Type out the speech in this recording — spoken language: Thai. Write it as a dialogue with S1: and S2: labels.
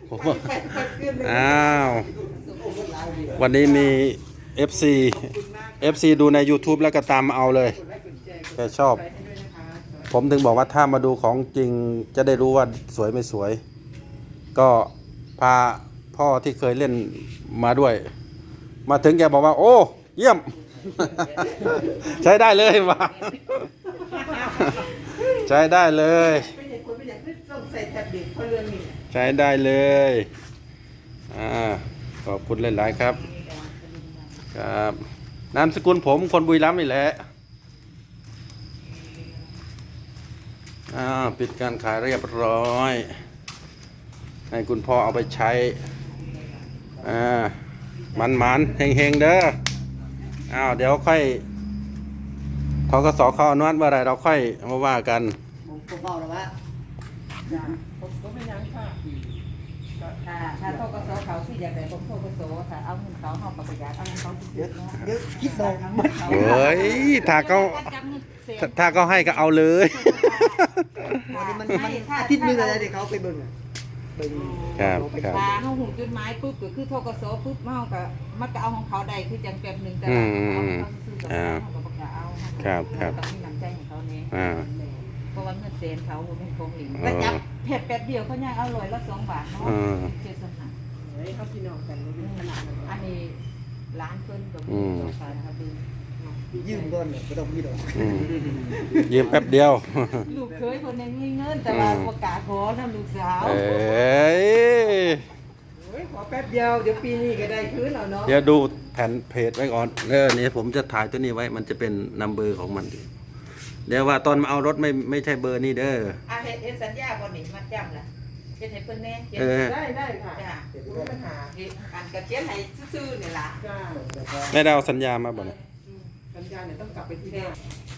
S1: อ้าววันนี้มี FC ดูใน YouTube แล้วก็ตามมาเอาเลยแกชอบผมถึงบอกว่าถ้ามาดูของจริงจะได้รู้ว่าสวยไม่สวยก็พาพ่อที่เคยเล่นมาด้วยมาถึงแกบอกว่าโอ้เยี่ยม ใช้ได้เลยว่ะ ใช้ได้เลยใช้ได้เลยขอบคุณหลายๆครับครับนามสกุลผมคนบุรีรัมย์นี่แหละปิดการขายเรียบร้อยให้คุณพ่อเอาไปใช้มันเฮงๆเด้อเดี๋ยวค่อยธกสเข้าอนุมัติเมื่อไรเราค่อยมาว่ากัน
S2: ผมบอกแล้วว่าผมก็ไม่ยังค่ะถ้าธกสเขาที่อยากได้ผมธกสถ้าเอาเงินเขาเอาประหยัดเอาเงินเขาเยอะคิดเลยทั้งหมด
S1: เฮ้ยถ้าเขาให้ก็เอาเลย
S2: มันอาทิตย์นึงอะไรเด็กเขาไปเบิ่ง
S1: ครับ
S2: ถ้าเขาหูจุดหมายปุ๊บก็คือธกสปุ๊บมันก็เอาของเขาได้คือจังแป๊บนึงแต่เขาก็ประกาศเอา
S1: ครับ
S2: ต้องมีน้ำใจของเขาเนี่ยเพราะว่าเงินเซนเขาเป็นของหลิงก็จับเผ็ดแป๊บเดียวเขาย่างเอาลอยละ2 บาทเนาะเจ็ดสหายเขาพี่น้องกันอันนี้ร้านเพิ่นกับพี่น้องกันนะครับยืมก่อนไม่ต้องพี่ดอก
S1: ยืมแป๊บเดียว
S2: ลูกเคยคนยังมีเงินแต่ว่าประกาศขอทำลูกสาวขอแป๊บเดียวเดี๋ยวปีนี้ก็ได้คืนแล้วเนาะ
S1: เดี๋ยวดูแผ่นเพจไว้ก่อนนี่ผมจะถ่ายตัวนี้ไว้มันจะเป็นนัมเบอร์ของมันเดี๋ยวว่าตอนมาเอารถไม่ใช่เบอร์นี้เด้อ
S2: เฮ็ดสัญญาบ่นี่มัดจำล่ะเฮ็ดให้เพิ่นแน่ได้ค่ะจ้ะบ่มีปัญหาอันก็เขียนให้ซื่อๆนี่ล่ะ
S1: ไม่ได้เอาสัญญามาบ่เนี่ย
S2: สัญญาเนี่ยต้องกลับไปที่บ้าน